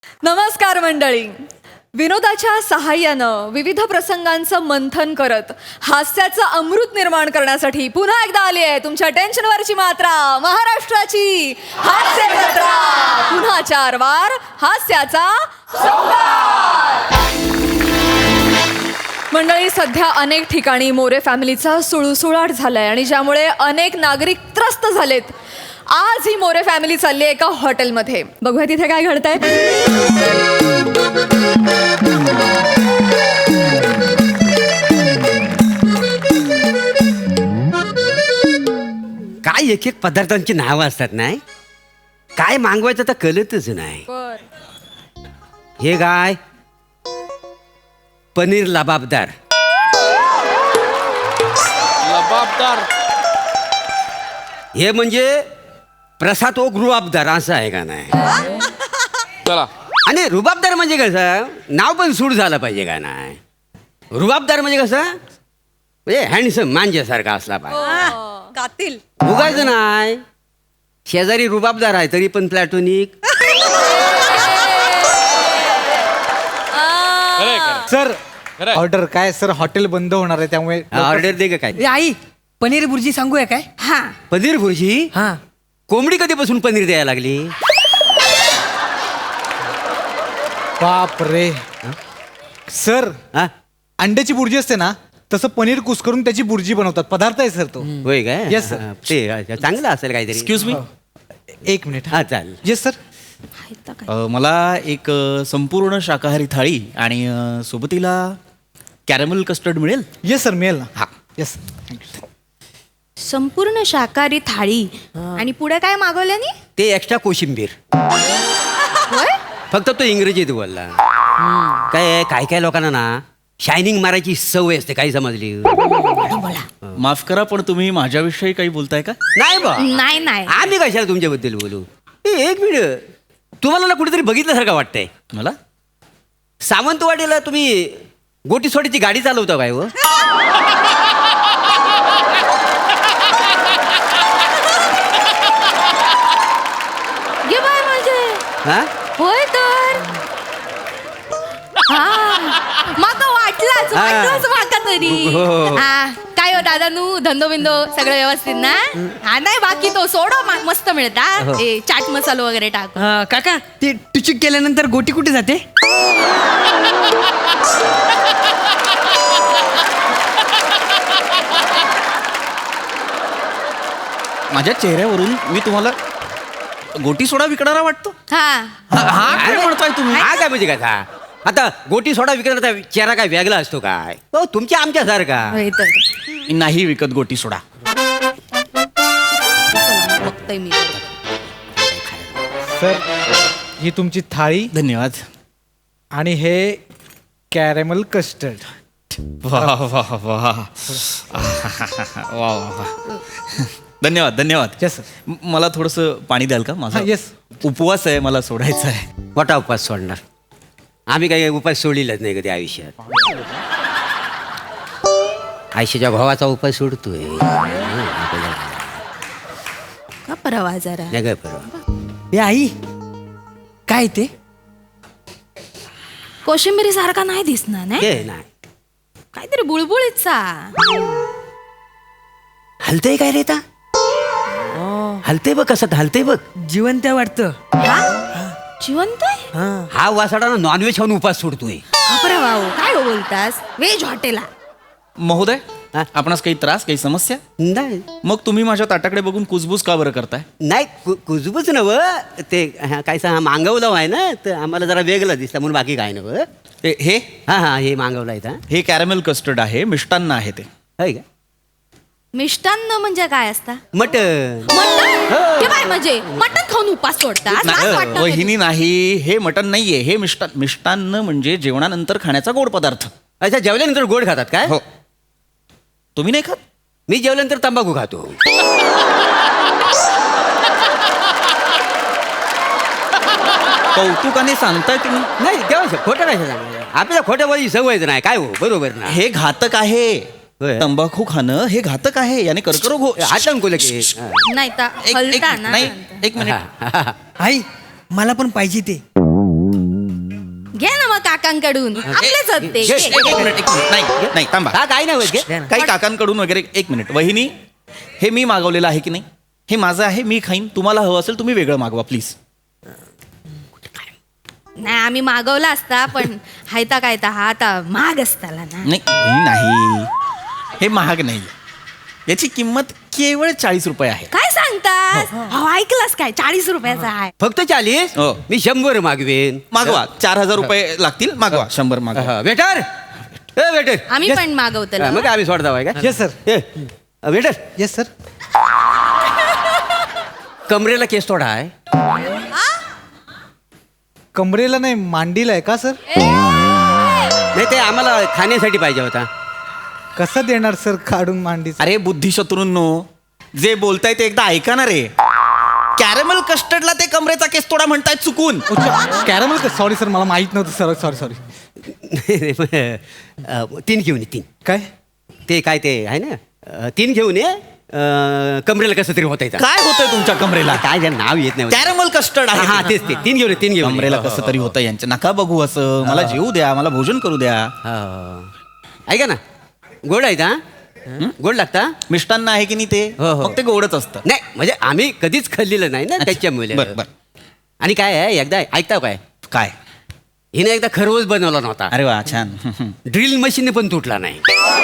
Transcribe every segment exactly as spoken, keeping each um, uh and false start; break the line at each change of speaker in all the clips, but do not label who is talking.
नमस्कार मंडळी. विनोदाच्या सहाय्यानं विविध प्रसंगांचं मंथन करत हास्याचं अमृत निर्माण करण्यासाठी पुन्हा एकदा आली आहे तुमच्या टेन्शनवरची मात्रा, महाराष्ट्राची हास्य जत्रा. पुन्हा चार वार हास्याचा सौदार. मंडळी, सध्या अनेक ठिकाणी मोरे फॅमिलीचा सुळसुळाट झालाय आणि ज्यामुळे अनेक नागरिक त्रस्त झालेत. आज ही मोरे फॅमिली चालली आहे एका हॉटेलमध्ये. बघूया तिथे काय घडतंय.
काय एक एक पदार्थांची नावं असतात नाही, काय मागवायचं तर कळतच नाही. हे काय पनीर लबाबदार,
लबाबदार
हे म्हणजे प्रसाद ओ रुबाबदार असं आहे का नाही.
चला.
आणि रुबाबदार म्हणजे कसं, नाव पण सूट झालं पाहिजे का नाही. रुबाबदार म्हणजे कसं, म्हणजे हँडसम मांजेसारखा असला पाहिजे.
कातील
उगायचं नाही. शेजारी रुबाबदार आहे तरी पण प्लॅटोनिक.
सर
खरंय.
ऑर्डर काय सर, हॉटेल बंद होणार आहे त्यामुळे
ऑर्डर दे का काय.
ए आई, पनीर बुर्जी सांगूया काय?
हा
पनीर भुर्जी.
हा.
कोंबडी कधीपासून पनीर द्यायला लागली.
बाप रे. सर
हा
अंड्याची बुर्जी असते ना, तसं पनीर कुस्करून त्याची बुर्जी बनवतात. पदार्थ आहे सर तो.
होय काय.
Yes, sir.
हा, ते चांगलं असेल काहीतरी.
Excuse me.
एक मिनिट.
हा चालेल.
Yes sir.
मला एक अ, संपूर्ण शाकाहारी थाळी आणि अ, सोबतीला कॅरमल कस्टर्ड मिळेल.
येस सर, मिळेल ना.
हा.
Yes thank you.
संपूर्ण शाकाहारी थाळी आणि पुढे काय मागवल्यानी?
ते एक्स्ट्रा कोशिंबीर. फक्त तो इंग्रजीत बोलला. काय आहे, काय काय लोकांना ना शायनिंग मारायची सवय असते, काही समजली.
माफ करा, पण तुम्ही माझ्याविषयी काही बोलताय का?
नाही बा,
नाही नाही
आम्ही कशाला तुमच्याबद्दल बोलू. ए, एक मिनिट, तुम्हाला ना कुठेतरी बघितल्यासारखं वाटतंय.
मला
सावंतवाडीला तुम्ही गोटी सोडीची गाडी चालवता काय हो.
गे बाय म्हणजे
हा
होय तर हा माका वाटलाच
हा.
वाटलाच माका तरी.
हो, हो, हो.
हा काय हो दादा, नू धंदो बिंदो सगळं व्यवस्थित ना? हा नाही बाकी तो सोडो मा- मस्त मिळता.
हो.
ए चाट मसालो वगैरे टाक.
अं, काका, ते टुचूक केल्यानंतर गोटी कुठे जाते?
माझ्या चेहऱ्यावरून मी तुम्हाला गोटी सोडा विकणारा वाटतो.
हा
हा हा काय म्हणताय तुम्ही?
हा काय म्हणजे काय. आता गोटी सोडा विकण्याचा चेहरा काय वेगळा असतो काय हो तुमच्या आमच्यासारखा.
होय तर
मी नाही विकत गोटी सोडा.
चला, बघतोय मी.
सर ही तुमची थाळी
धन्यवाद.
आणि हे कॅरेमल कस्टर्ड.
वा वा वा वा वा. धन्यवाद धन्यवाद.
Yes sir.
म- मला थोडंसं पाणी द्याल का? माझा
हा, yes.
उपवास आहे, मला सोडायचा आहे.
मोठा उपास सोडणार. आम्ही काही उपास सोडलेलाच नाही कधी आयुष्यात. आयुष्याच्या भावाचा उपास सोडतोय.
का परवा जरा
नाही काय परवा.
ए आई, काय ते?
कोशिंबिरी सारखा नाही दिसणार नाही,
ते नाही
काहीतरी बुळबुळीचा.
हलतय काय रे ता. हलतय बघ कसं हलतय बघ.
जिवंत वाटतं.
हा? जिवंत आहे?
हा.
हा वासाडा नॉनव्हेज खाऊन उपास सोडतोय.
बापरे भाऊ, काय हो बोलतास? व्हेज हॉटेला
महोदय,
हा?
आपणास काही त्रास, काही समस्या?
नाही
मग तुम्ही माझ्या ताटाकडे बघून कुजबूज का बरं करताय?
नाही कु- कुजबूच नव ते हा, काय सांग मागवलं आहे ना, तर आम्हाला जरा वेगळं दिसतं म्हणून बाकी काय नव.
हे- हे
हा हा हे मागवलं आहे का.
हे कॅरमेल कस्टर्ड आहे, मिष्टान्न आहे ते.
होय का.
मिष्टान्न म्हणजे काय असता?
मटन.
मटण? हे काय म्हणजे मटण खाऊन उपास सोडता?
नाही,
लाज वाटतं कधी?
वहिनी नाही, हे मटन नाहीये, हे मिष्टान्न. मिष्टान्न म्हणजे जेवणानंतर खाण्याचा गोड पदार्थ.
अच्छा, जेवल्यानंतर गोड खातात काय.
हो. तुम्ही नाही खात?
मी जेवल्यानंतर तंबाखू खातो.
कौतुकाने सांगताय तुम्ही.
नाही तेव्हा खोटं काय सांगायचं. आपल्याला खोट्या बोलायची सवयच नाही काय हो. बरोबर ना.
हे घातक आहे.
होय.
तंबाखू खाणं हे घातक आहे, याने कर्करोग हो.
हात कोल की
नाही तर
एक- एक-
हलता ना.
नाही, एक मिनिट.
आई, मला पण पाहिजे ते.
काकांकडून आपलेच आहेत ते.
घे,
घे.
एक एक मिनिट एक मिनिट नाही नाही थांबा
हा काय नाही होत घे.
काही काकांकडून वगैरे एक मिनिट वहिनी हे मी मागवलेलं आहे की नाही हे माझं आहे मी खाईन तुम्हाला हवं असेल तुम्ही वेगळं मागवा प्लीज
नाही आम्ही मागवला असता पण हायता काय हा आता महाग असताला ना.
नाही वहिनी, नाही हे महाग नाही याची किंमत केवळ चाळीस रुपये आहे
काय सांगतास अहो ऐकलास काय चाळीस रुपयाचा आहे.
फक्त चाळीस
हो.
मी शंभर मागवेन
मागवा चार हजार रुपये लागतील मागवा शंभर मागवा
वेटर ए वेटर
आम्ही पण मागवतो
मग आम्ही सोडता बाय का
yes sir
waiter
yes sir
कमरेला केस थोडा आहे
कमरेला नाही मांडीला आहे का सर
नाही ते आम्हाला खाण्यासाठी पाहिजे होता.
कसं देणार सर काढून मांडी
अरे बुद्धिशत्रूंनो जे बोलताय ते एकदा ऐका ना रे कॅरमल कस्टर्डला ते कमरेचा केस तोडा म्हणतायत चुकून
कॅरमल का सॉरी सर मला माहित नव्हतं सर सॉरी सॉरी
अ, तीन घेऊन ये तीन
काय
ते काय ते आहे ना अ, तीन घेऊन ये अ, कमरेला कसं तरी होत
काय होतंय तुमच्या कमरेला
काय त्याला नाव येत नाही
कॅरमल कस्टर्ड
हा, हा
आहे
तेच ते तीन घेऊन ये, तीन घेऊन ये.
कमरेला
हो,
कसं
हो,
तरी होतं यांचं नका बघू असं मला जेवू द्या मला भोजन करू द्या
हो. ऐका ना गोड आहे का गोड लागता
मिष्टान्न आहे की नाही ते
हो, हो.
मग ते गोडच असतं
नाही म्हणजे आम्ही कधीच खाल्लेलं नाही ना त्याच्यामुळे
बरं बरं
आणि काय आहे एकदा ऐकता काय
काय
हिने एकदा खरवस बनवला नव्हता
अरे वा छान
ड्रिल मशीन पण तुटला नाही.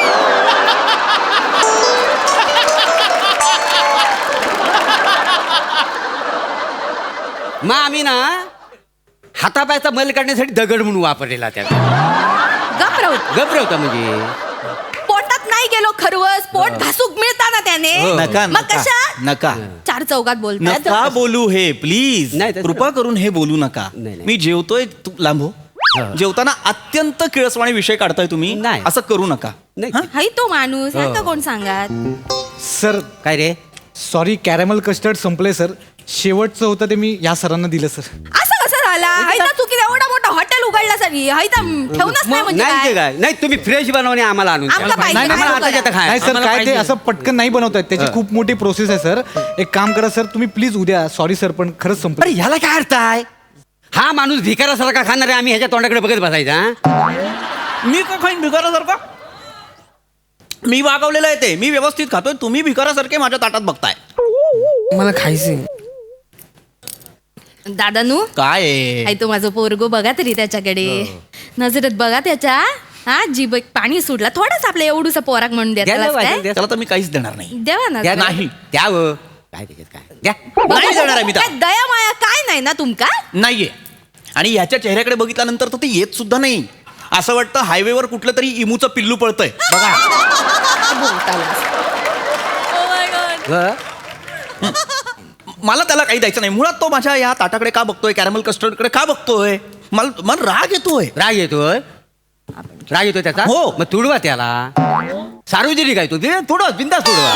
मग आम्ही ना हातापायचा मल काढण्यासाठी दगड म्हणून वापरलेला त्या
गप राहू
गप्र होता म्हणजे
पोटात नाही गेलो खरवस पोट घासूक मिळता ना त्याने
हो.
नका
मग
नका
कशा
नका
चार चौकात बोलतात
नका बोलू हे प्लीज
नाही, तसं-
कृपा करून हे बोलू नका
नाही, नाही.
मी जेवतोय तू लांबो
हा.
जेवताना अत्यंत किळसवाणी विषय काढताय तुम्ही
नाही.
असं करू नका
नाही
हा?
हाय तो माणूस
हो.
का कोण सांगत
सर
काय रे
सॉरी कॅरेमल कस्टर्ड संपले सर शेवटचं होतं ते मी या सरांना दिलं सर
असं कसं झाला हाय तर चुकी एवढा मोठा हॉटेल उघडला सरी हाय तर ठेवूनच नाही म्हणजे
नाही ते
काय
काय नाही तुम्ही फ्रेश बनवणे आम्हाला आणून द्या.
आम्हाला पाहिजे,
नाही, नाही,
काय
मला आताच्या आता खाय.
नाही सर
आम्हाला
काय ते
पाहिजे.
असं पटकन नाही बनवतात त्याची खूप मोठी प्रोसेस आहे सर एक काम करा सर तुम्ही प्लीज उद्या सॉरी सर पण खरंच
अरे
संपलं
ह्याला काय अर्थ आहे हा माणूस भिकारासारखा खाणार आहे आम्ही ह्याच्या तोंडाकडे बघत बसायचा हा?
मी का खाईन भिकारासारखा मी वागवलेलं आहे ते मी व्यवस्थित खातोय तुम्ही भिकारासारखे माझ्या ताटात बघताय
मला खायचंय
दादानू
काय आहे?
हाय तो माझं पोरगो बघा तरी त्याच्याकडे नजरेत बघा त्याच्या हा जीभ एक पाणी सुटला थोडंच आपलं एवढूसा पोराक म्हणून
द्या
देता
ना वाजून
काय
द्या.
त्याला तर मी काहीच देणार नाही
देवा ना
द्या ना.
नाही.
द्या हो. काय त्याच्यात काय द्या
नाही देणार आहे मी
काय
त्याला.
दया माया काय नाही ना तुमका
नाहीये आणि ह्याच्या चेहऱ्याकडे बघितल्यानंतर तर ते येत सुद्धा नाही असं वाटतं हायवेवर कुठलं तरी इमूचं पिल्लू पळतंय बघा
व?
मला त्याला काही द्यायचं नाही मुळात तो माझ्या या ताटाकडे का बघतोय कॅरमल कस्टर्डकडे का बघतोय मला मला राग येतोय
राग येतोय राग येतोय त्याचा
हो.
मग तुडवा त्याला सार्वजनिक आहे तो ते तुडवा बिंदास तुडवा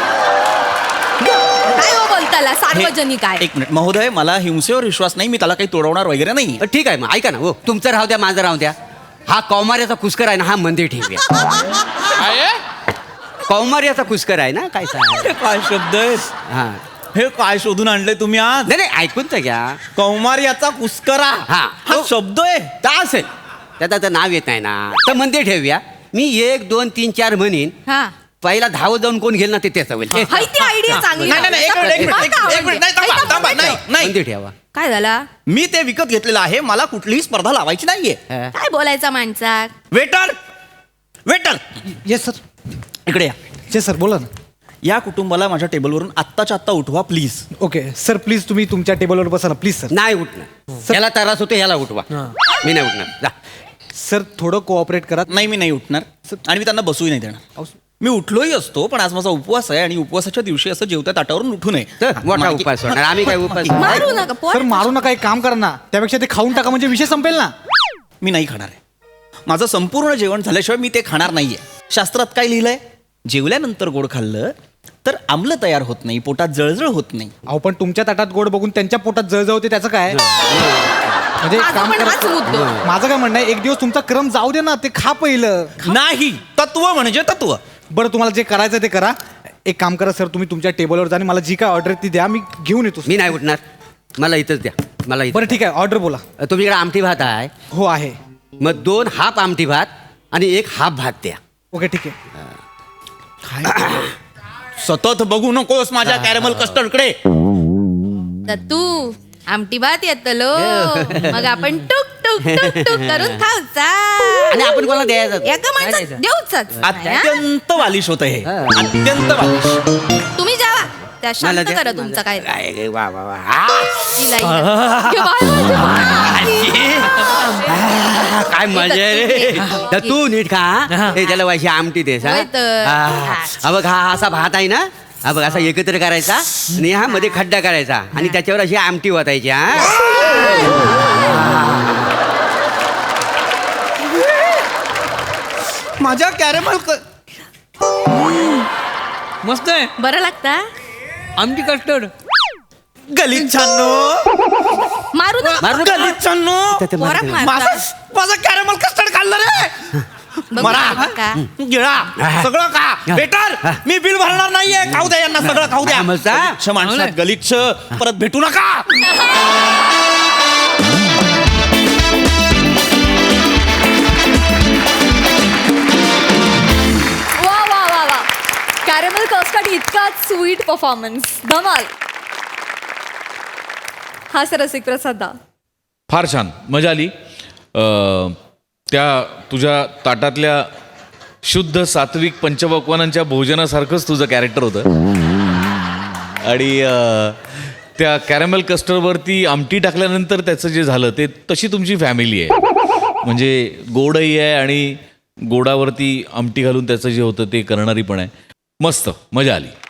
काय हो बोलताला
हे-
सार्वजनिक आहे
एक मिनिट महोदय मला हिंसेवर विश्वास नाही मी त्याला काही तोडवणार वगैरे नाही
अ, ठीक आहे मग ऐका ना हो तुमचं राहू द्या माझं राहू द्या हा कौमार्याचा कुस्कर आहे ना हा मंदिर ठेवूया कौमार्याचा कुस्कर आहे ना काय सांग
हे काय शब्द आहेत
हा
हे काय शोधून आणलंय तुम्ही आज
नाही नाही ऐकून तर घ्या
कौमार्याचा कुस्करा
हा.
हा शब्द आहे
तर असेल त्याचं आता नाव येत नाही ना तर मंदिर ठेवूया मी एक दोन तीन चार म्हणीन
हा
पहिला धावत जाऊन कोण घेईल ना ते त्याचं होईल
हाय ती आयडिया चांगली
नाही नाही नाही, एक मिनिट एक मिनिट, एक- एक मिनिट नाही थांबा थांबा नाही नाही
मंदिर ठेवा
काय झाला
मी ते विकत घेतलेलं आहे मला कुठलीही स्पर्धा लावायची नाहीये
हा.
काय बोलायचा माणसा
वेटर वेटर
येस सर
इकडे या
येस सर बोला ना
या कुटुंबाला माझ्या टेबलवरून आत्ताच्या आत्ता उठवा प्लीज
ओके सर प्लीज तुम्ही तुमच्या टेबलवर बसा ना प्लीज सर
नाही उठणार याला त्रास होतो याला उठवा मी नाही उठणार जा
सर थोडं कोऑपरेट करा
नाही मी नाही उठणार आणि मी त्यांना बसूही नाही देणार
अहो,
मी उठलोही असतो पण आज माझा उपवास आहे आणि उपवासाच्या दिवशी असं जेवत्या ताटावरून उठू नये
तर मोठा
मागे-
उपास होणार आम्ही काय उपास
मारू नका
सर
पोर
मारू नका एक काम करा ना त्यापेक्षा ते खाऊन टाका म्हणजे विषय संपेल ना
मी नाही खाणार आहे माझं संपूर्ण जेवण झाल्याशिवाय मी ते खाणार नाहीये शास्त्रात काय लिहिलंय जेवल्यानंतर गोड खाल्लं तर आम्ल तयार होत नाही पोटात जळजळ होत नाही
अहो पण तुमच्या ताटात गोड बघून त्यांच्या पोटात जळजळ होते त्याचं काय म्हणजे एक
माझं
काम
पण हाच
करा
मुद्दो.
माझं काय म्हणणं आहे एक दिवस तुमचा क्रम जाऊ दे ना ते खा पहिलं
नाही तत्व म्हणजे तत्व
बरं तुम्हाला जे करायचं ते करा एक काम करा सर तुम्ही तुमच्या टेबलवर जा आणि मला जी काय ऑर्डर ती द्या मी घेऊन येतो
मी नाही उठणार मला इथंच द्या मला इथं
बरं ठीक आहे ऑर्डर बोला
तुमच्याकडे आमटी भात आहे
हो आहे
मग दोन हाफ आमटी भात आणि एक हाफ भात द्या.
ओके ठीक आहे.
सतत बघू नकोस माझ्या कॅरेमल कस्टर्डकडे.
तू आमटी भात येतलो मग आपण टुक टुक टुक टुक करून खाऊचा
आणि आपण कोणाला द्यायचं?
एका माणसात देऊचाच नाही, हा?
अत्यंत बालिश होतं हे, अत्यंत बालिश.
तुम्ही जावा त्या
मला
शांत
द्या.
करा तुमचा काय
काय काय, वा वा वा. आ!
हिला, हिला. घे बाहेर, घे बाहेर.
काय मजा आहे रे. तर तू नीट खा. हे त्याला वाशी आमटी देस हा?
होय तर.
हा. हा बघ, हा असा भात आहे ना, हा बघ असा एकत्र करायचा आणि हा मध्ये खड्डा करायचा आणि त्याच्यावर अशी आमटी ओतायची. हा
माझ्या कॅरेमल
मस्त आहे
बरं लागता
आमटी कस्टर्ड.
गलिच्छांनो,
मारू ना
मारू नका.
गलिच्छांनो,
त्याचं
पोरा
मारू.
मारता.
माझं माझं कॅरेमल कस्टर्ड खाल्लं रे.
बघू
मरा
का?
गिळा सगळं का बेटर. मी बिल भरणार नाहीये. खाऊ द्या यांना, सगळं खाऊ द्या.
समजता?
गलिच्छ माणसात गलिच्छ. परत भेटू नका.
वा वा वा वा. कॅरेमल कस्टर्ड इतका स्वीट परफॉर्मन्स, धमाल. हा सर रसिक प्रसाद दा.
फार छान, मजा आली. अ, त्या तुझ्या ताटातल्या शुद्ध सात्विक पंचपक्वानांच्या भोजनासारखंच तुझं कॅरेक्टर होतं. आणि अ, त्या कॅरेमल कस्टर्डवरती आमटी टाकल्यानंतर त्याचं जे झालं ते तशी तुमची फॅमिली आहे. म्हणजे गोडही आहे आणि गोडावरती आमटी घालून त्याचं जे होतं ते करणारी पण आहे. मस्त, मजा आली.